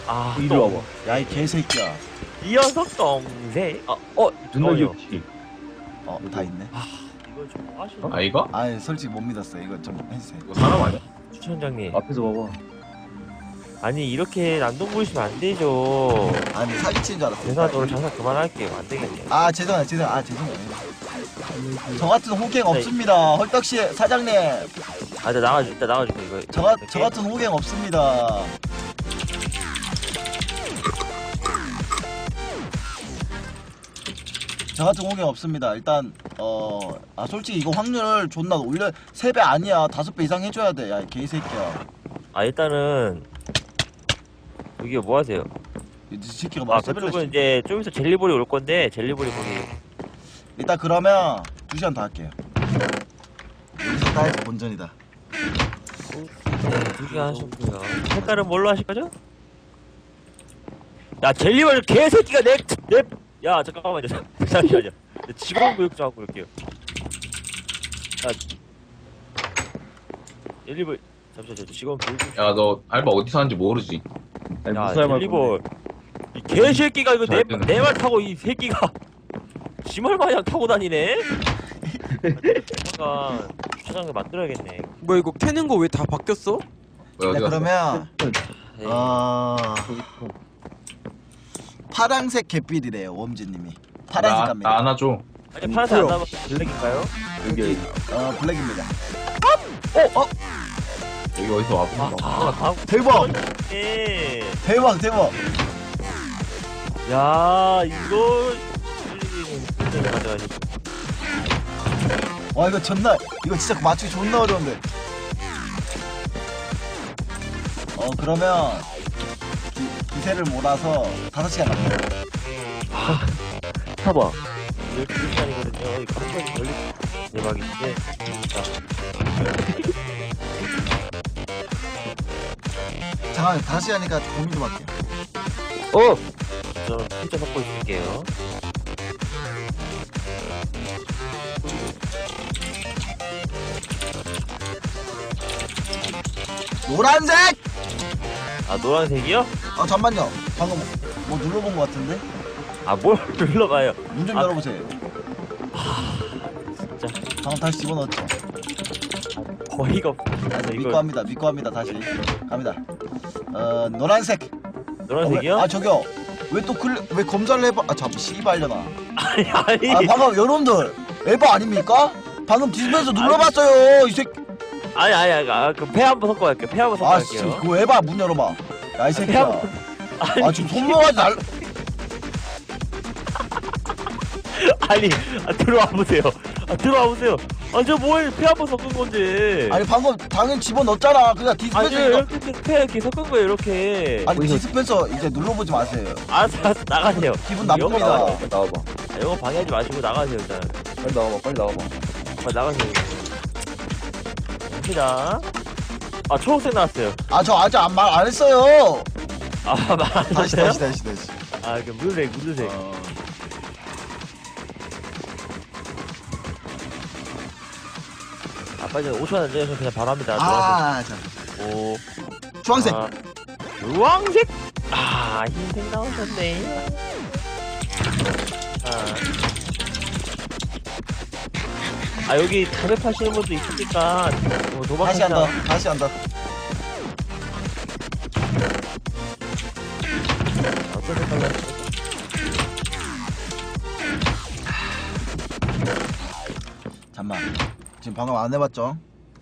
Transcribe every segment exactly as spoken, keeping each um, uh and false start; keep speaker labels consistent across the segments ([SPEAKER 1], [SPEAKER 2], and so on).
[SPEAKER 1] 아,
[SPEAKER 2] 이리
[SPEAKER 1] 똥.
[SPEAKER 2] 와봐.
[SPEAKER 3] 야 이 개새끼야.
[SPEAKER 1] 이 녀석 동생. 아, 어,
[SPEAKER 2] 눈널
[SPEAKER 1] 저요.
[SPEAKER 2] 격치.
[SPEAKER 3] 어 다 있네.
[SPEAKER 1] 이거 좀 아쉬워.
[SPEAKER 4] 아 이거?
[SPEAKER 3] 아 솔직히 못 믿었어. 이거 좀 해주세요.
[SPEAKER 4] 이거 사람 아니야?
[SPEAKER 1] 추천장님.
[SPEAKER 2] 앞에서 봐봐.
[SPEAKER 1] 아니 이렇게 난동 부리시면 안 되죠.
[SPEAKER 3] 아니 사기치는 줄 알았어.
[SPEAKER 1] 죄송하다 오늘 장사 그만할게요. 안 되겠네요.
[SPEAKER 3] 아 죄송해요 죄송해요. 아 죄송해요. 저 같은 호갱 없습니다. 헐떡씨 사장님.
[SPEAKER 1] 아, 나 나가줘. 일단 나가줄게 이거.
[SPEAKER 3] 저, 가,
[SPEAKER 1] 이렇게.
[SPEAKER 3] 저 같은 호갱 없습니다. 저 같은 호갱 없습니다. 일단 어... 아 솔직히 이거 확률을 존나 올려 세 배 아니야. 다섯 배 이상 해줘야 돼. 야 이 개새끼야.
[SPEAKER 1] 아 일단은 여기 뭐 하세요?
[SPEAKER 3] 이 새끼가
[SPEAKER 1] 아
[SPEAKER 3] 막 세배를
[SPEAKER 1] 그쪽은
[SPEAKER 3] 씨.
[SPEAKER 1] 이제 좀 있어 젤리볼이 올 건데 젤리볼이 거기.
[SPEAKER 3] 일단 그러면 두 시간 더 할게요. 여기서 따해서 본전이다.
[SPEAKER 1] 네, 두 개 하셨고요. 색깔은 뭘로 하실 거죠? 야 젤리볼 개새끼가 내 내. 야 잠깐만요. 잠시만요. 직원 교육 좀 하고 올게요. 야 젤리볼 잠시만요. 직원 교육 좀.
[SPEAKER 4] 야 너 알바 어디서 하는지 모르지?
[SPEAKER 2] 아니,
[SPEAKER 1] 야
[SPEAKER 2] 무슨 말
[SPEAKER 1] 젤리볼 이 개새끼가 이거
[SPEAKER 4] 잘 되네.
[SPEAKER 1] 내내 말 타고 이 새끼가 지말 마냥 타고 다니네. 잠깐 주차장을 만들어야겠네.
[SPEAKER 5] 뭐야 이거 캐는 거 왜 다 바뀌었어?
[SPEAKER 4] 왜 어디
[SPEAKER 3] 네,
[SPEAKER 4] 갔어?
[SPEAKER 3] 그러면
[SPEAKER 1] 네.
[SPEAKER 3] 어... 파랑색 갯빌이래요 웜지님이. 파란색
[SPEAKER 4] 나,
[SPEAKER 3] 갑니다.
[SPEAKER 4] 나 안아줘.
[SPEAKER 1] 아니 파란색 안 나면 블랙인가요?
[SPEAKER 2] 여기
[SPEAKER 3] 어 블랙입니다.
[SPEAKER 1] 어? 어?
[SPEAKER 4] 여기 어디서 와봐.
[SPEAKER 1] 아, 아,
[SPEAKER 3] 대박!
[SPEAKER 1] 예.
[SPEAKER 3] 대박 대박.
[SPEAKER 1] 야 이거 진짜 가져가지.
[SPEAKER 3] 와 이거 존나 이거 진짜 맞추기 존나 어려운데. 어 그러면 기, 기세를 몰아서 다섯 시간 갑니다.
[SPEAKER 2] 타봐.
[SPEAKER 1] 열두 시간이거든요. 이거 한 번이 걸리 대박인데.
[SPEAKER 3] 잠깐만 다섯 시간이니까 고민 좀 할게요.
[SPEAKER 1] 어. 저 진짜 섞고 있을게요.
[SPEAKER 3] 노란색!
[SPEAKER 1] 아 노란색이요?
[SPEAKER 3] 아 잠만요. 방금 뭐 눌러본 것 같은데?
[SPEAKER 1] 아 뭘 눌러봐요.
[SPEAKER 3] 문 좀
[SPEAKER 1] 아,
[SPEAKER 3] 열어보세요.
[SPEAKER 1] 진짜
[SPEAKER 3] 방금 다시 집어넣었죠.
[SPEAKER 1] 거의가 없어. 그래서
[SPEAKER 3] 믿고
[SPEAKER 1] 이거
[SPEAKER 3] 합니다. 믿고 합니다. 다시 갑니다. 어 노란색.
[SPEAKER 1] 노란색이요?
[SPEAKER 3] 어, 왜- 아 저기요. 왜 또 클? 왜 검사를 해봐? 아 잠 씨발려나.
[SPEAKER 1] 아니 아니.
[SPEAKER 3] 아 방금 여러분들 에바 아닙니까? 방금 디스플레이에서 눌러봤어요. 이 새끼.
[SPEAKER 1] 아니 아니 아니. 아, 그럼 배 한번 섞어 갈게요. 배 한번 섞어
[SPEAKER 3] 아
[SPEAKER 1] 갈게요.
[SPEAKER 3] 씨, 그거 에바 문 열어봐. 야 이 새끼야.
[SPEAKER 1] 한번- 아니,
[SPEAKER 3] 아 지금 손모가지 날.
[SPEAKER 1] 아니 아, 들어와 보세요. 아 들어와 보세요. 아 저 뭐해 배 한번 섞은 건데.
[SPEAKER 3] 아니 방금 당연히 집어 넣었잖아. 그냥
[SPEAKER 1] 아니
[SPEAKER 3] 디스펜서.
[SPEAKER 1] 이렇게 배 이렇게 섞은 거예요 이렇게.
[SPEAKER 3] 아니 디스펜서 이제 눌러보지 마세요.
[SPEAKER 1] 알았어 알았어 나가세요.
[SPEAKER 3] 기분
[SPEAKER 1] 영어
[SPEAKER 3] 나쁩니다.
[SPEAKER 1] 나가세요.
[SPEAKER 2] 빨리 나와봐.
[SPEAKER 1] 아, 영어 방해하지 마시고 나가세요 일단.
[SPEAKER 2] 빨리 나와봐. 빨리 나와봐.
[SPEAKER 1] 빨리 나가세요. 갑니다. 아 초록색 나왔어요.
[SPEAKER 3] 아 저 아직 안 말 안 했어요.
[SPEAKER 1] 아 말하셨어요?
[SPEAKER 3] 다시 다시 다시 다시.
[SPEAKER 1] 아 그 무색 무색.
[SPEAKER 3] 어.
[SPEAKER 1] 아 빨리 오천 원 내서 그냥 바로 합니다.
[SPEAKER 3] 아 자.
[SPEAKER 1] 오.
[SPEAKER 3] 주황색.
[SPEAKER 1] 아, 주황색. 아 흰색 나오셨네. 아. 아 여기 담배 파시는 분도 있으니까 뭐
[SPEAKER 3] 다시 한
[SPEAKER 1] 도박하자.
[SPEAKER 3] 더. 다시 한 더.
[SPEAKER 1] 어떤 색깔로?
[SPEAKER 3] 잠만. 지금 방금 안 해봤죠?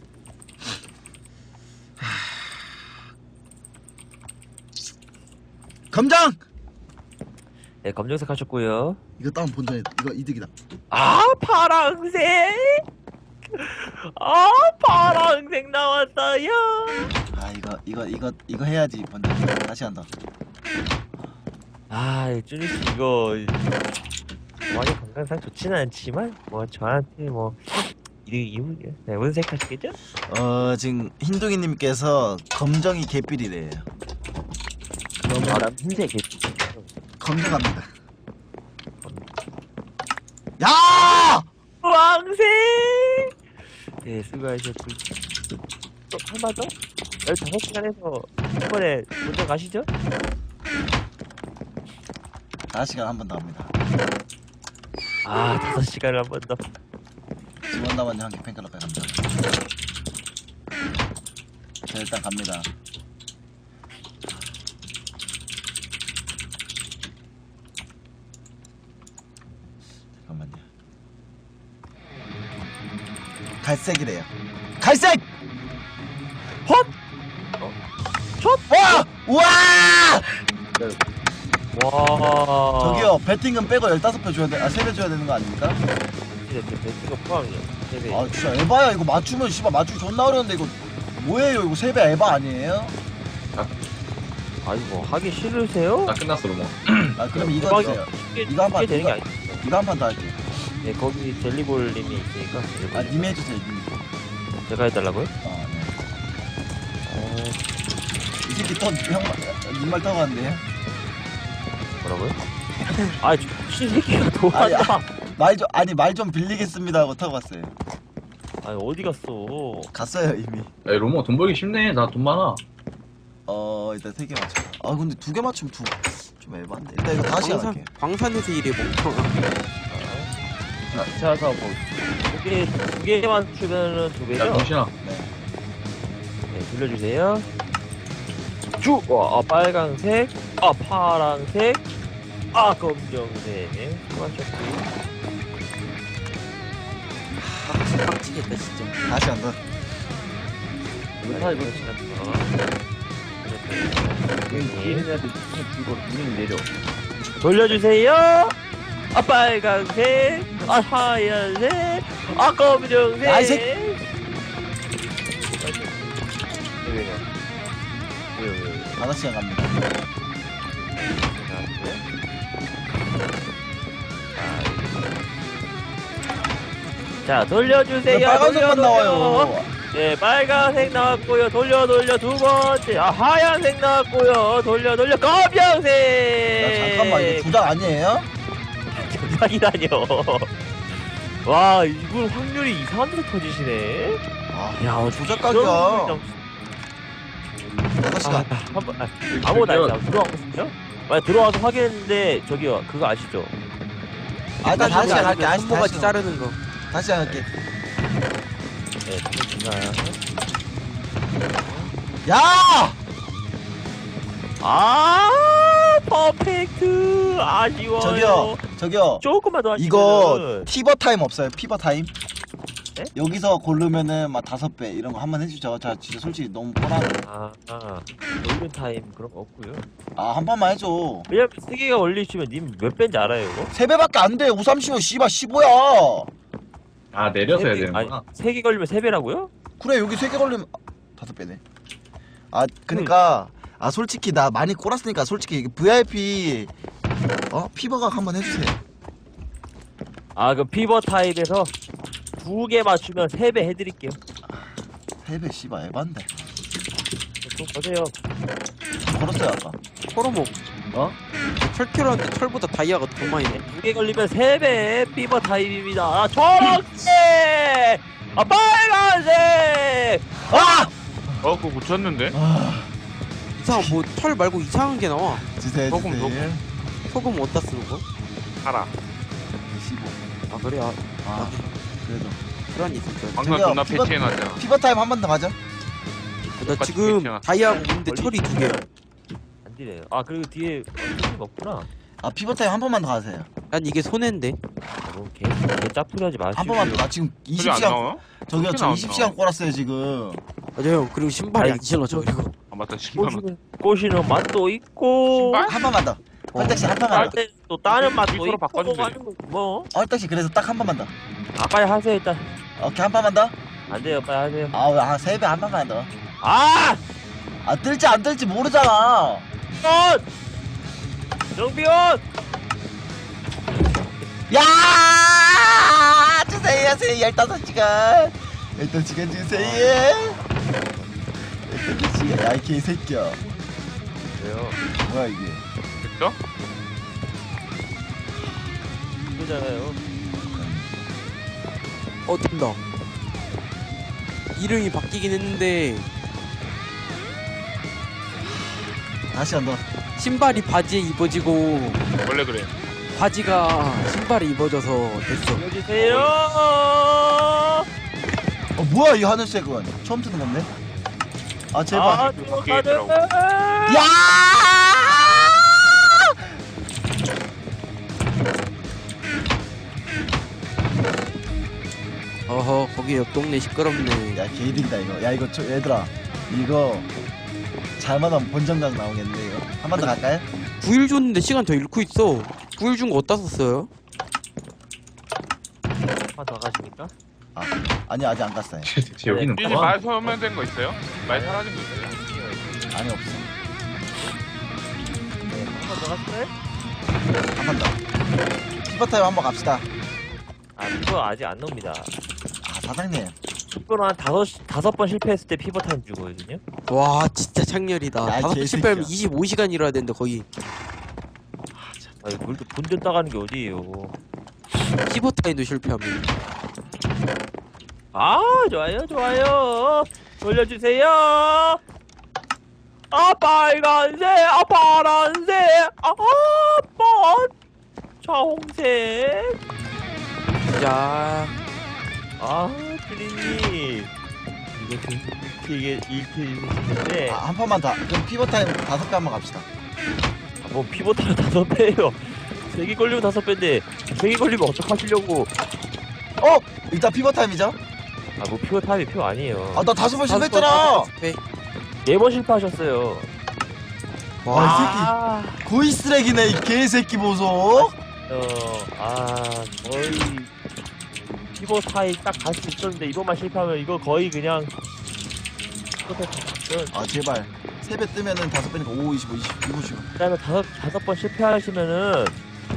[SPEAKER 3] 검정!
[SPEAKER 1] 네 검정색 하셨고요.
[SPEAKER 3] 이거 다운 본전이다. 이거 이득이다.
[SPEAKER 1] 아 파랑색. 아 파랑색 나왔어요.
[SPEAKER 3] 아 이거 이거 이거 이거 해야지 본전. 다시 한 더.
[SPEAKER 1] 아 쭈니씨 이거 많이 건강상 좋지는 않지만 뭐 저한테 뭐 이득이 네, 무색 하시겠죠?
[SPEAKER 3] 어 지금 흰둥이님께서 검정이 개삘이래요.
[SPEAKER 1] 그러면 난 흰색이
[SPEAKER 3] 검정합니다. 야!
[SPEAKER 1] 왕색. 네 수고하셨고 또 한번 더? 열다섯 시간에서 한 번에 먼저 가시죠?
[SPEAKER 3] 다섯 시간 한 번 더 합니다.
[SPEAKER 1] 아 다섯 시간을 한 번 더.
[SPEAKER 3] 지원 남았냐 한개 팬클럽에 갑니다. 자 일단 갑니다. 잠깐만요. 갈색이래요. 갈색!
[SPEAKER 1] 헛! 첫!
[SPEAKER 3] 와! 우와!
[SPEAKER 1] 와.
[SPEAKER 3] 저기요 배팅은 빼고 열다섯 배 줘야 돼. 아 세 배 줘야 되는 거 아닙니까?
[SPEAKER 1] 이렇게 배트가 포함이야. 세배.
[SPEAKER 3] 아 진짜 에바야. 이거 맞추면 씨발 맞추기 존나 어려운데 이거 뭐예요? 이거 세 배 에바 아니에요?
[SPEAKER 1] 아니 뭐 하기 싫으세요?
[SPEAKER 4] 나 끝났어 로모.
[SPEAKER 3] 아 그럼 이거
[SPEAKER 1] 대박이다.
[SPEAKER 3] 주세요.
[SPEAKER 1] 쉽게,
[SPEAKER 3] 이거 한 판,
[SPEAKER 1] 쉽게 되는 게
[SPEAKER 3] 이거-
[SPEAKER 1] 아니야.
[SPEAKER 3] 이거 한 판 더 할게요.
[SPEAKER 1] 네 거기 젤리볼님이 있으니까. 젤리볼.
[SPEAKER 3] 아 님이 해주세요 님.
[SPEAKER 1] 제가 해달라고요?
[SPEAKER 3] 아 네.
[SPEAKER 1] 어
[SPEAKER 3] 이 새끼 또형님말 타고 갔는데요?
[SPEAKER 1] 뭐라고요? 아 미친 새끼가
[SPEAKER 3] 아니,
[SPEAKER 1] 도왔다.
[SPEAKER 3] 말 좀 아니 말 좀 빌리겠습니다 하고 타고 갔어요.
[SPEAKER 1] 아니 어디 갔어?
[SPEAKER 3] 갔어요 이미.
[SPEAKER 4] 야 로모 돈 벌기 쉽네. 나 돈 많아.
[SPEAKER 3] 어 일단 세 개 맞춰. 아 근데 두 개 맞추면 두 좀 에반데. 일단 이거 다시
[SPEAKER 5] 광산,
[SPEAKER 3] 할게.
[SPEAKER 5] 광산에서 일해 멍청아.
[SPEAKER 1] 자, 자서 뭐두개두 개만 추면은 두
[SPEAKER 4] 야
[SPEAKER 1] 배죠?
[SPEAKER 4] 정신아.
[SPEAKER 1] 네 돌려주세요. 쭉! 와, 아, 빨강색, 아, 파랑색, 아, 검정색. 수고하셨고.
[SPEAKER 5] 빡치겠다 진짜.
[SPEAKER 3] 다시 한다.
[SPEAKER 1] 이거 다 이거
[SPEAKER 2] 얘네한테 이거 문이 내려.
[SPEAKER 1] 돌려주세요. 아, 빨강색, 아, 하얀색, 아, 검정색.
[SPEAKER 3] 야, 이 새끼.
[SPEAKER 1] 왜요? 왜요, 왜요, 왜요?
[SPEAKER 3] 다섯 시간 갑니다.
[SPEAKER 1] 자, 돌려주세요.
[SPEAKER 3] 왜 빨간색만
[SPEAKER 1] 돌려,
[SPEAKER 3] 나와요?
[SPEAKER 1] 돌려. 네, 빨간색 나왔고요. 돌려, 돌려. 두 번째. 아, 하얀색 나왔고요. 돌려, 돌려. 검정색.
[SPEAKER 3] 야 잠깐만 이거 조작 아니에요?
[SPEAKER 1] 조작이라뇨. 와, 이분 확률이 이상한 데서 터지시네.
[SPEAKER 3] 아,
[SPEAKER 1] 야,
[SPEAKER 3] 조작
[SPEAKER 1] 이런
[SPEAKER 3] 각이야.
[SPEAKER 1] 분이
[SPEAKER 3] 다섯
[SPEAKER 1] 아,
[SPEAKER 3] 시간.
[SPEAKER 1] 한번 아, 아무것도 아니다. 들어왔거든요? 만약 들어와서 확인했는데 저기요 그거 아시죠?
[SPEAKER 3] 아 일단 다섯 시간 할게. 다시
[SPEAKER 5] 손모가지
[SPEAKER 3] 다시
[SPEAKER 5] 자르는 거.
[SPEAKER 3] 다시 할게.
[SPEAKER 1] 네, 잠시만요.
[SPEAKER 3] 야!
[SPEAKER 1] 아, 퍼펙트. 아쉬워요.
[SPEAKER 3] 저기요, 저기요.
[SPEAKER 1] 조금만 더 하시면
[SPEAKER 3] 이거 피버 타임 없어요? 피버 타임?
[SPEAKER 1] 네?
[SPEAKER 3] 여기서 고르면은 막 다섯 배 이런 거 한 번 해주죠. 자, 진짜 솔직히 너무 뻔하네.
[SPEAKER 1] 아, 아, 골든 타임 그런 거 없고요.
[SPEAKER 3] 아, 한 판만 해줘.
[SPEAKER 1] 왜냐면 세 개가 올리시면 님 몇 배인지 알아요, 이거?
[SPEAKER 3] 세 배밖에 안 돼. 오삼십오, 씨발, 십오야.
[SPEAKER 4] 아 내려서 해야
[SPEAKER 1] 세 배- 아니,
[SPEAKER 4] 되는구나.
[SPEAKER 1] 세 개 걸리면 세 배라고요?
[SPEAKER 3] 그래, 여기 세 개 걸리면 아, 다섯 배네. 아, 그니까 아 솔직히 나 많이 꼬랐으니까 솔직히 이게 브이아이피 어 피버각 한번 해주세요.
[SPEAKER 1] 아, 그럼 피버 타입에서 두 개 맞추면 세 배 해드릴게요.
[SPEAKER 3] 세 배 씨발 에반데.
[SPEAKER 1] 좀 보세요.
[SPEAKER 3] 걸었어요 아까.
[SPEAKER 5] 호르몬.
[SPEAKER 3] 어?
[SPEAKER 5] 철캐로한데 철보다 다이아가 더 많이 네.
[SPEAKER 1] 두 개 걸리면 세 배 피버 타입입니다. 아, 초록색! 아, 빨간색!
[SPEAKER 3] 아!
[SPEAKER 6] 어, 그거 고쳤는데?
[SPEAKER 3] 아
[SPEAKER 5] 이상한 뭐 철 말고 이상한 게 나와.
[SPEAKER 3] 주세요
[SPEAKER 6] 조금,
[SPEAKER 3] 주세요.
[SPEAKER 5] 소금 어디다 쓰는 거?
[SPEAKER 6] 알아.
[SPEAKER 3] 십오.
[SPEAKER 5] 아 그래 아,
[SPEAKER 3] 아 그래도
[SPEAKER 5] 불안이 있을 줄 알았어.
[SPEAKER 6] 방금
[SPEAKER 3] 저기요,
[SPEAKER 6] 존나
[SPEAKER 3] 피버-
[SPEAKER 6] 패치해놨잖아.
[SPEAKER 3] 피버 타임 한 번 더 가자.
[SPEAKER 5] 나 지금
[SPEAKER 6] 괜찮아.
[SPEAKER 5] 다이아가 있는데 철이 두 개.
[SPEAKER 1] 안 되네요. 아, 그리고 뒤에 어떻게 없구나.
[SPEAKER 3] 아 피버 타임 한 번만 더 가세요.
[SPEAKER 5] 난 이게 손해인데.
[SPEAKER 1] 뭐, 개, 개 짜투리 하지 마시고.
[SPEAKER 3] 한 번만 더. 나 지금
[SPEAKER 6] 소리
[SPEAKER 3] 이십
[SPEAKER 6] 안
[SPEAKER 3] 시간
[SPEAKER 6] 나와?
[SPEAKER 3] 저기요
[SPEAKER 6] 그렇게
[SPEAKER 3] 저
[SPEAKER 6] 나왔나?
[SPEAKER 3] 이십 시간 꼬랐어요 지금.
[SPEAKER 5] 맞아요. 그리고 신발이 안 신어져 그리고.
[SPEAKER 6] 아, 맞다. 신발만.
[SPEAKER 1] 꼬시는, 꼬시는 맛도 있고.
[SPEAKER 6] 신발?
[SPEAKER 3] 한 번만 더. 헐떡씨 한 번만 더.
[SPEAKER 1] 할때또 다른 맛도
[SPEAKER 6] 미소로
[SPEAKER 1] 있고.
[SPEAKER 6] 바꿔주면 되지.
[SPEAKER 1] 하는 거 뭐.
[SPEAKER 3] 헐떡씨 그래서 딱 한 번만 더.
[SPEAKER 1] 아, 빨리 하세요, 일단.
[SPEAKER 3] 오케이 한 번만 더.
[SPEAKER 1] 안 돼요, 빨리 하세요.
[SPEAKER 3] 아세 배 한 번만 더.
[SPEAKER 1] 아!
[SPEAKER 3] 아 뜰지 안 뜰지 모르잖아.
[SPEAKER 1] 원! 정비원!
[SPEAKER 3] 야 주세요 주세요 열다섯 시간 열다섯 시간 주세요. 열다섯 시간 야이 개새끼야.
[SPEAKER 1] 왜요?
[SPEAKER 3] 뭐야 이게.
[SPEAKER 6] 됐죠?
[SPEAKER 1] 이거잖아요.
[SPEAKER 5] 어 된다. 이름이 바뀌긴 했는데
[SPEAKER 3] 다시 한번
[SPEAKER 5] 신발이 바지에 입어지고
[SPEAKER 6] 원래 그래.
[SPEAKER 5] 바지가 신발에 입어져서 됐어.
[SPEAKER 1] 알려주세요.
[SPEAKER 3] 어 뭐야 이 하늘색은 처음 듣는 건데? 아 제발.
[SPEAKER 1] 아,
[SPEAKER 6] 그게 있더라고.
[SPEAKER 3] 야!
[SPEAKER 5] 어허 거기 옆 동네 시끄럽네.
[SPEAKER 3] 야 개이득이다 이거. 야 이거 저, 얘들아 이거 잘못하면 본정각 나오겠네 이거. 한 번 더 갈까요?
[SPEAKER 5] 구 일 줬는데 시간 더 잃고 있어. 구 일 준 거 어디다 썼어요?
[SPEAKER 1] 한더 가십니까?
[SPEAKER 3] 아니 아직 안 갔어요.
[SPEAKER 4] 쟤 여기는
[SPEAKER 6] 이제
[SPEAKER 4] 뭐야?
[SPEAKER 6] 말 소멸된 거 있어요? 말 사라진 거 있어요?
[SPEAKER 3] 아니 없어.
[SPEAKER 1] 네, 한번더 갔어요?
[SPEAKER 3] 한 번 더. 피버타임 한번 갑시다.
[SPEAKER 1] 아, 피버 아직 안 나옵니다.
[SPEAKER 3] 아 사장님.
[SPEAKER 1] 피버는 한 다섯, 다섯 번 실패했을 때 피버 타임 주거든요?
[SPEAKER 5] 와 진짜 창렬이다.
[SPEAKER 3] 야,
[SPEAKER 5] 다섯 번
[SPEAKER 3] 개새끼야.
[SPEAKER 5] 실패하면 이십오 시간 일해야 되는데 거의.
[SPEAKER 1] 아니, 물도 본전 따가는 게 어디에요.
[SPEAKER 5] 피버타임도 실패하면.
[SPEAKER 1] 아, 좋아요, 좋아요. 돌려주세요. 아, 빨간색, 아, 파란색, 아, 번, 자홍색.
[SPEAKER 5] 자
[SPEAKER 1] 아, 트리님. 이거 되게 일트이시는데,
[SPEAKER 3] 아, 한 판만 다. 그럼 피버타임 다섯 개 한번 갑시다.
[SPEAKER 1] 아, 뭐, 피보타는 다섯 배예요. 세 개 걸리면 다섯 배인데, 세 개 걸리면 어떡하시려고.
[SPEAKER 3] 어 일단 피버타임이죠?
[SPEAKER 1] 아, 뭐, 피보 타임이 표 아니에요.
[SPEAKER 3] 아 나 다섯 번
[SPEAKER 5] 다섯 번,
[SPEAKER 3] 실패했잖아.
[SPEAKER 5] 다섯 번 실패.
[SPEAKER 1] 네 번 실패하셨어요.
[SPEAKER 3] 와, 이
[SPEAKER 1] 아,
[SPEAKER 3] 새끼 고이 쓰레기네 이 개새끼 보소.
[SPEAKER 1] 어, 아, 거의 피보 타임 딱 갈 수 있었는데 이번만 실패하면 이거 거의 그냥 끝에 갔던.
[SPEAKER 3] 아 제발 세 배 뜨면은 다섯 배니까 오, 이십오, 이십, 이십오.
[SPEAKER 1] 그다음에 다섯 다섯 번 실패하시면은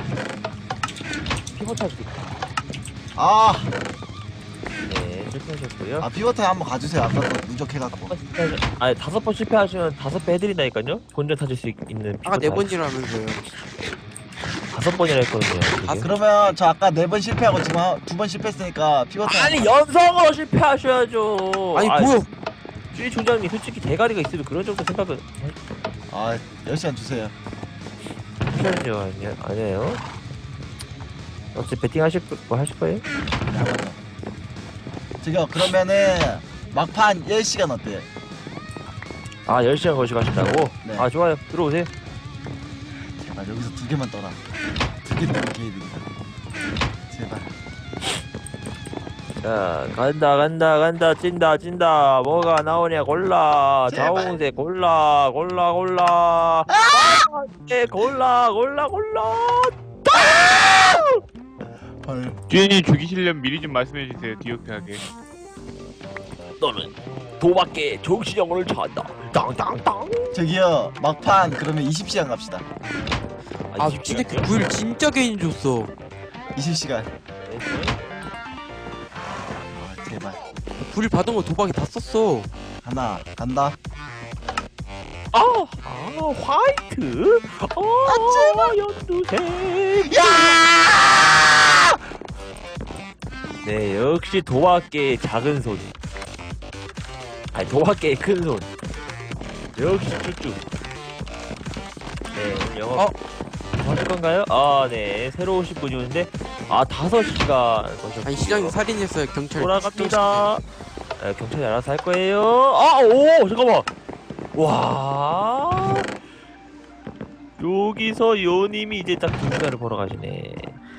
[SPEAKER 1] 피보 타임 수도 있다.
[SPEAKER 3] 아,
[SPEAKER 1] 네, 실패하셨고요.
[SPEAKER 3] 아 피버타임 한번 가주세요. 아까 그 누적해갖고.
[SPEAKER 1] 다섯 번 실패하시- 아니 다섯 번 실패하시면 다섯 배 해드린다니까요. 본전 타실 수 있- 있는 피보
[SPEAKER 5] 아까 네
[SPEAKER 1] 타임.
[SPEAKER 5] 번이라면서요.
[SPEAKER 1] 다섯 번이라 했거든요.
[SPEAKER 3] 아
[SPEAKER 1] 지금.
[SPEAKER 3] 그러면 저 아까 네 번 실패하고 지금 두 번 실패했으니까 피버타임.
[SPEAKER 1] 아니 연성으로 실패하셔야죠.
[SPEAKER 5] 아니
[SPEAKER 1] 아이,
[SPEAKER 5] 뭐야?
[SPEAKER 1] 주희 총장님 솔직히 대가리가 있으면 그런 정도 생각은
[SPEAKER 3] 아 열 시간 주세요.
[SPEAKER 1] 하셔야죠. 아니, 아니에요. 어차피 배팅 하실 거 하실 거예요?
[SPEAKER 3] 네, 한번 더. 저기요 그러면은 막판 열 시간 어때요?
[SPEAKER 1] 아 열 시간 거시고 하신다고?
[SPEAKER 3] 네.
[SPEAKER 1] 아 좋아요. 들어오세요.
[SPEAKER 3] 제발 여기서 두 개만 떠라. 두 개 뜨면 개이득이다. 제발.
[SPEAKER 1] 자 간다 간다 간다 찐다 찐다 뭐가 나오냐 골라
[SPEAKER 3] 제발.
[SPEAKER 1] 자홍색 골라 골라 골라 네 골라 골라 골라
[SPEAKER 3] 헐.
[SPEAKER 6] 주인이 죽이시려면 미리 좀 말씀해 주세요. 디오피하게.
[SPEAKER 1] 너는 도박계 정신영혼을 찾는다 땅땅땅
[SPEAKER 3] 저기요 막판 그러면 이십 시간 갑시다.
[SPEAKER 5] 아 근데 그 구 일 진짜 개인 줬어.
[SPEAKER 3] 이십 시간. 아 제발.
[SPEAKER 5] 구 일 받은 거 도박에 다 썼어.
[SPEAKER 3] 하나 간다.
[SPEAKER 1] 아, 아 화이트 아 연두색
[SPEAKER 3] 야!
[SPEAKER 1] 네 역시 도박계의 작은 손 아니 도박계의 큰 손 역시 쭈쭈 네 오늘 영업
[SPEAKER 5] 어?
[SPEAKER 1] 뭐 하실 건가요? 아네 새로 오신 분이 오는데 아 다섯 시간
[SPEAKER 5] 아니 시장이 살인했어요. 경찰
[SPEAKER 1] 돌아갑니다 네, 경찰이 알아서 할 거예요 아오 잠깐만 와 여기서 요님이 이제 딱 두 시간을 벌어 가시네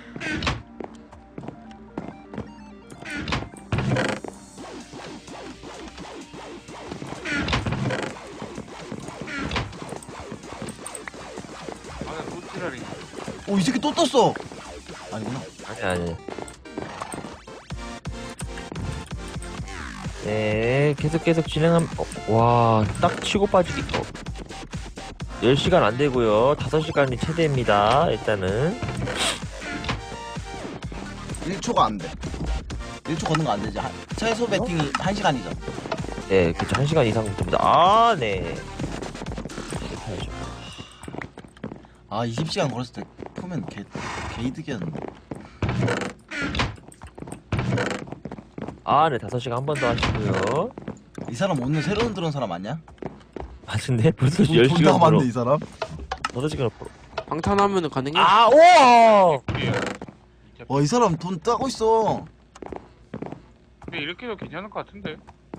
[SPEAKER 6] 아나 로티라리.
[SPEAKER 3] 오 이 새끼 또 떴어. 아니구나.
[SPEAKER 1] 아니 아니 네 계속 계속 진행함 어, 와딱 치고 빠지기 어. 열 시간 안 되고요 다섯 시간이 최대입니다 일단은
[SPEAKER 3] 일 초가 안 돼. 일 초 걷는 거 안 되지. 한- 최소 배팅이 한 시간이죠.
[SPEAKER 1] 네 그쵸 한 시간 이상 됩니다 아네 실패하죠
[SPEAKER 3] 아 이십 시간 걸었을 때 보면 개 개이득이었는데.
[SPEAKER 1] 아네 다섯 시간 한 번 더 하시고요
[SPEAKER 3] 이 사람 오늘 새로운 들어온 사람 아니야?
[SPEAKER 1] 맞은데 벌써
[SPEAKER 3] 돈-
[SPEAKER 1] 열
[SPEAKER 3] 돈
[SPEAKER 1] 시간 벌어
[SPEAKER 3] 남았네 이 사람.
[SPEAKER 1] 다섯 시간 앞으로.
[SPEAKER 5] 방탄하면은 가능해?
[SPEAKER 1] 아, 우와!
[SPEAKER 6] 우리야.
[SPEAKER 3] 와 이 사람 돈 따고 있어.
[SPEAKER 6] 근데 이렇게 해도 괜찮을 것 같은데.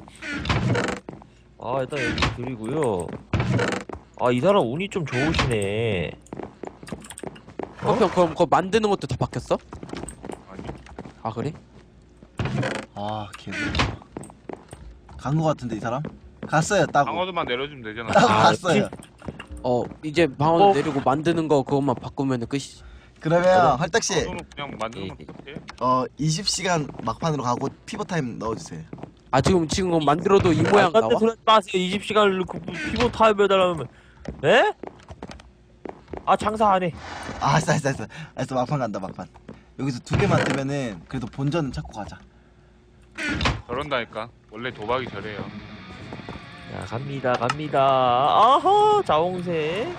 [SPEAKER 1] 아, 일단 여기 드리고요. 아, 이 사람 운이 좀 좋으시네.
[SPEAKER 5] 어? 형 그럼 그거 만드는 것도 다 바뀌었어?
[SPEAKER 6] 아니.
[SPEAKER 5] 아 그래?
[SPEAKER 3] 아 개들. 간거 같은데 이 사람? 갔어요 따고.
[SPEAKER 6] 방어도만 내려주면 되잖아.
[SPEAKER 3] 따고
[SPEAKER 1] 아,
[SPEAKER 3] 갔어요.
[SPEAKER 5] 어 이제 방어
[SPEAKER 1] 어?
[SPEAKER 5] 내리고 만드는 거 그것만 바꾸면은 끝이지.
[SPEAKER 3] 그러면 헐떡씨
[SPEAKER 6] 방어도는 그냥 만드는 건 어때?
[SPEAKER 3] 어 이십 시간 막판으로 가고 피버 타임 넣어주세요.
[SPEAKER 5] 아 지금 지금 그거 만들어도 이 모양
[SPEAKER 1] 아,
[SPEAKER 5] 나와?
[SPEAKER 1] 소리 하지 마세요. 이십 시간을 놓고 피부 타입 해달라면. 네? 아, 장사 안 해.
[SPEAKER 3] 아 알았어 알았어 알았어 알았어 막판 간다 막판. 여기서 두 개만 뜨면은 그래도 본전은 찾고 가자.
[SPEAKER 6] 저런다니까. 원래 도박이 저래요.
[SPEAKER 1] 자, 갑니다, 갑니다. 아하, 자홍새.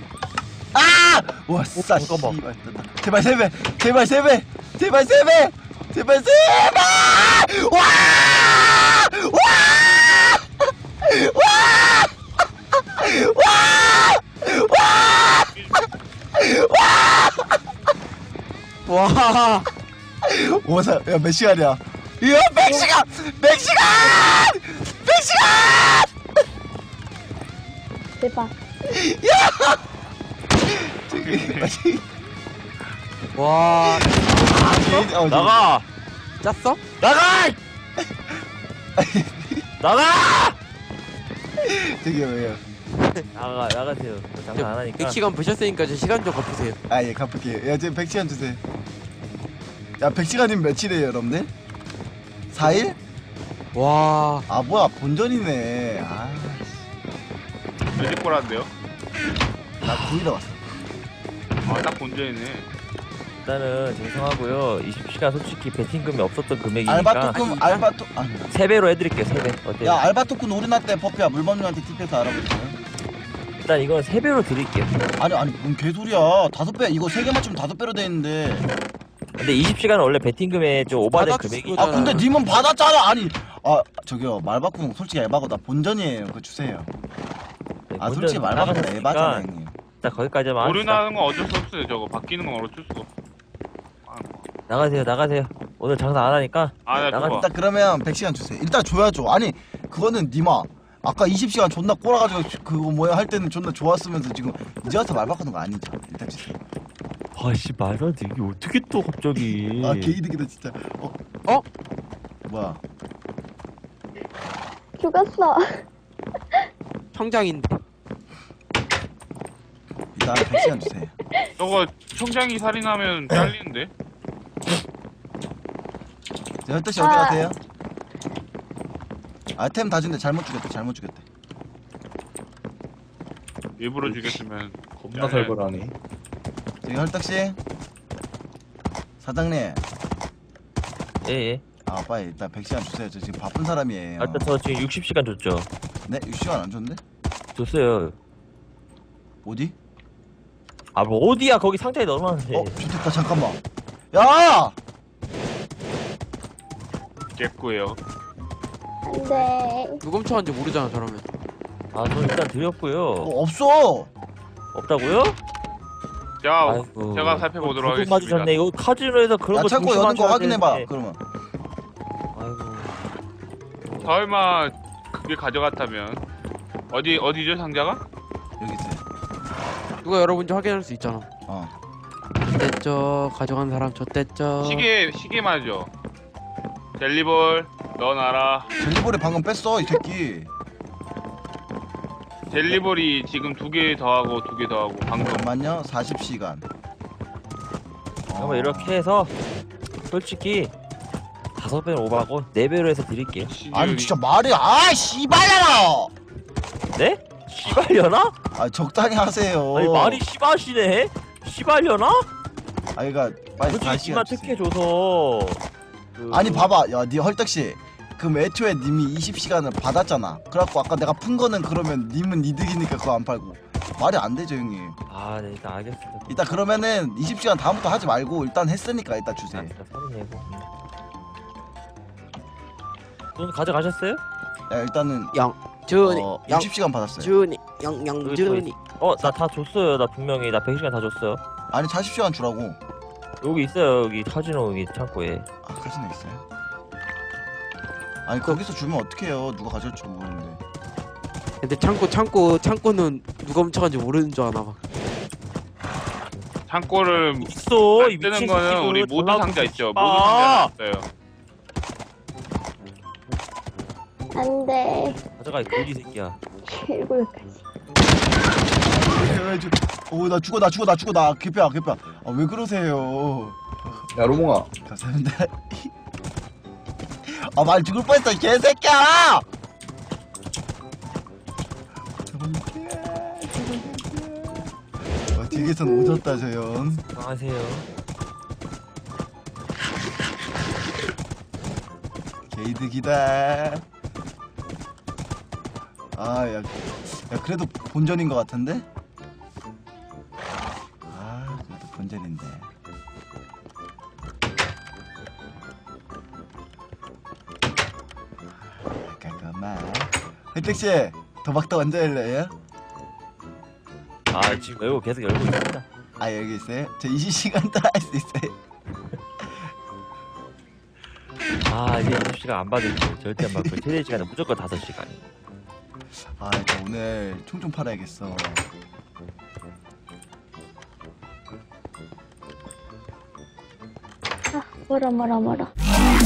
[SPEAKER 3] 와 싸
[SPEAKER 1] 잠깐만.
[SPEAKER 3] 씨발 떴다. 제발 세 배, 제발 세 배, 제발 세 배, 제발 세 배. 와!
[SPEAKER 5] 와
[SPEAKER 3] 오사 야몇 시간이야? 이야 백 시간, 백 시간, 백 시간.
[SPEAKER 7] 대박.
[SPEAKER 3] 저기
[SPEAKER 5] 와
[SPEAKER 3] 어,
[SPEAKER 1] 나가!
[SPEAKER 5] 짰어?
[SPEAKER 1] 나가! 나가!
[SPEAKER 3] 저기 왜요?
[SPEAKER 1] 나가, 나가세요. 장사 안 하니까.
[SPEAKER 5] 백 시간 보셨으니까 저 시간 좀 갚으세요.
[SPEAKER 3] 아예 갚을게요. 야 지금 백 시간 주세요. 야 백 시간이면 며칠이에요 여러분들? 사 일?
[SPEAKER 5] 와
[SPEAKER 3] 아 뭐야 본전이네. 아,
[SPEAKER 6] 몇일 거란데요?
[SPEAKER 3] 나 구 일에 왔어.
[SPEAKER 6] 아, 딱 본전이네.
[SPEAKER 1] 일단은 죄송하고요. 이십 시간 솔직히 베팅금이 없었던 금액이니까
[SPEAKER 3] 알바토큰
[SPEAKER 5] 아니,
[SPEAKER 3] 알바토 아니.
[SPEAKER 1] 세 배로 해드릴게요. 세 배. 어때요?
[SPEAKER 3] 야 알바토큰 오르났대 퍼피야 물범님한테 팁해서 알아보세요.
[SPEAKER 1] 일단 이건 세 배로 드릴게요.
[SPEAKER 3] 아니 아니 뭔 개소리야. 다섯 배 이거 세 개 맞추면 다섯 배로 돼 있는데.
[SPEAKER 1] 근데 이십 시간은 원래 베팅금에 좀 오버된
[SPEAKER 5] 받아줄
[SPEAKER 1] 금액이.
[SPEAKER 5] 거잖아.
[SPEAKER 3] 아 근데 님은 받았잖아. 아니 아 저기요 말바꾸는 솔직히 에바고 나 본전이에요. 그거 주세요. 아 솔직히 말바꾸는 에바잖아 형님.
[SPEAKER 1] 자 거기까지만 합시다.
[SPEAKER 6] 오류나는 건 어쩔 수 없어요. 저거 바뀌는 건 어쩔 수가 없어. 아,
[SPEAKER 1] 나가세요, 나가세요. 오늘 장사 안 하니까.
[SPEAKER 6] 아, 나
[SPEAKER 1] 나가-
[SPEAKER 6] 그거.
[SPEAKER 3] 일단 그러면 백 시간 주세요. 일단 줘야죠. 아니 그거는 님아 아까 이십 시간 존나 꼬라가지고 그거 뭐야 할 때는 존나 좋았으면서 지금 이제 와서 말 바꾸는 거 아니죠. 일단 주세요.
[SPEAKER 1] 아씨 말도 안 돼. 이게 어떻게 또 갑자기?
[SPEAKER 3] 아 개이득이다 진짜. 어?
[SPEAKER 5] 어?
[SPEAKER 3] 뭐야?
[SPEAKER 7] 죽었어.
[SPEAKER 5] 청장인데.
[SPEAKER 3] 일단 백 시간 주세요.
[SPEAKER 6] 저거 청장이 살인하면 잘리는데?
[SPEAKER 3] 자, 혈떡씨 어디
[SPEAKER 7] 아.
[SPEAKER 3] 가세요? 아템 다 준대. 잘못 주겠대. 잘못 주겠대.
[SPEAKER 6] 일부러 죽였으면
[SPEAKER 4] 겁나 살벌하네.
[SPEAKER 3] 저기 혈떡씨 사장님.
[SPEAKER 1] 예, 예.
[SPEAKER 3] 아 빨리 일단 백 시간 주세요. 저 지금 바쁜 사람이에요.
[SPEAKER 1] 아, 일단 저 지금 육십 시간 줬죠.
[SPEAKER 3] 네? 육 시간 안 줬는데?
[SPEAKER 1] 줬어요.
[SPEAKER 3] 어디?
[SPEAKER 1] 아, 뭐 어디야? 거기 상자에 넣어놨는데.
[SPEAKER 3] 어? 좋겠다. 잠깐만. 야!
[SPEAKER 6] 깼고요.
[SPEAKER 7] 안돼.
[SPEAKER 5] 누구 훔쳐간지 모르잖아 저러면.
[SPEAKER 1] 아, 저 일단 드렸고요.
[SPEAKER 3] 어, 없어.
[SPEAKER 1] 없다고요?
[SPEAKER 6] 자,
[SPEAKER 1] 아이고.
[SPEAKER 6] 제가 살펴보도록
[SPEAKER 1] 도둑
[SPEAKER 6] 하겠습니다.
[SPEAKER 1] 맞으셨네. 이거 카지노에서 그런
[SPEAKER 3] 야
[SPEAKER 1] 거
[SPEAKER 3] 창고 여는 거
[SPEAKER 1] 조심하셔야
[SPEAKER 3] 확인해봐.
[SPEAKER 1] 되는데.
[SPEAKER 3] 그러면.
[SPEAKER 1] 아이고.
[SPEAKER 6] 설마 그게 가져갔다면 어디 어디죠 상자가?
[SPEAKER 3] 여기 있어요.
[SPEAKER 5] 누가 열어본지 확인할 수 있잖아.
[SPEAKER 3] 어.
[SPEAKER 5] 좆됐죠. 가져간 사람 좆됐죠.
[SPEAKER 6] 시계 시계 말이죠. 젤리볼 넣어놔라.
[SPEAKER 3] 젤리볼이 방금 뺐어 이 새끼.
[SPEAKER 6] 젤리볼이 지금 두 개 더하고 두 개 더하고 방금
[SPEAKER 3] 잠깐만요. 사십 시간.
[SPEAKER 1] 그러면 이렇게 해서 솔직히 다섯 배는 오버하고 네 배로 해서 드릴게요.
[SPEAKER 3] 아니 진짜 말이 아 씨발려라.
[SPEAKER 1] 네? 시발려나?
[SPEAKER 3] 아 적당히 하세요.
[SPEAKER 1] 아니 말이 시바시네? 시발려나?
[SPEAKER 3] 아니 그니까 빨리
[SPEAKER 1] 솔직히
[SPEAKER 3] 다시
[SPEAKER 1] 니만
[SPEAKER 3] 해주세요.
[SPEAKER 1] 특혜 줘서 그...
[SPEAKER 3] 아니 봐봐 야니 헐떡씨 그럼 애초에 님이 이십 시간을 받았잖아. 그래갖고 아까 내가 푼 거는 그러면 님은 이득이니까 그거 안 팔고 말이 안 되죠 형님.
[SPEAKER 1] 아, 네, 일단 알겠습니다.
[SPEAKER 3] 일단 그러면은 이십 시간 다음부터 하지 말고 일단 했으니까 일단 주세요.
[SPEAKER 1] 아, 진짜 사진 내고. 돈 가져가셨어요?
[SPEAKER 3] 야 일단은
[SPEAKER 5] 양 준이
[SPEAKER 3] 어,
[SPEAKER 5] 양
[SPEAKER 3] 육십 시간 받았어요.
[SPEAKER 5] 준이 양양
[SPEAKER 1] 여기 또
[SPEAKER 5] 준이.
[SPEAKER 1] 있- 어, 나 다 줬어요. 나 분명히 나 백 시간 다 줬어요.
[SPEAKER 3] 아니 사십 시간 주라고.
[SPEAKER 1] 여기 있어요. 여기 카지노 여기 창고에.
[SPEAKER 3] 아 카지노 있어요? 아니 거기서 주면 어떡해요. 누가 가져올지 모르는데.
[SPEAKER 5] 근데 창고 창고 창고는 누가 훔쳐간지 모르는 줄 아나 봐.
[SPEAKER 6] 창고를
[SPEAKER 1] 있어. 이
[SPEAKER 6] 뜨는
[SPEAKER 1] 미친
[SPEAKER 6] 거는
[SPEAKER 1] 새끼들.
[SPEAKER 6] 우리 모두
[SPEAKER 1] 전화
[SPEAKER 6] 상자 있죠. 모두
[SPEAKER 1] 아!
[SPEAKER 6] 상자 있어요.
[SPEAKER 7] 안 돼.
[SPEAKER 1] 가져가 이 거지 새끼야.
[SPEAKER 7] 칠골까지.
[SPEAKER 3] 오나 죽어 나 죽어 나 죽어 나 개뼈야 개뼈. 아 왜 그러세요?
[SPEAKER 4] 야 로몽아
[SPEAKER 3] 감사합니다. 아 말 죽을 뻔했어 개새끼야. 어, 뒤에선 오졌다 저 형.
[SPEAKER 1] 안녕하세요.
[SPEAKER 3] 개이득이다. 아야 야, 그래도 본전인 것 같은데? 아 그래도 본전인데. 잠깐만. 혜택씨 도박도 언제 할래요?
[SPEAKER 1] 아 지금 열고 계속 열고 있습니다.
[SPEAKER 3] 아 여기 있어요? 저 이십 시간 더 할 수 있어요.
[SPEAKER 1] 아 이제 이십 시간 안 받을게요. 절대 안 받고 최대 시간은 무조건 다섯 시간.
[SPEAKER 3] 아 나 오늘 총 좀 팔아야겠어.
[SPEAKER 7] 아, 뭐라 뭐라 뭐라.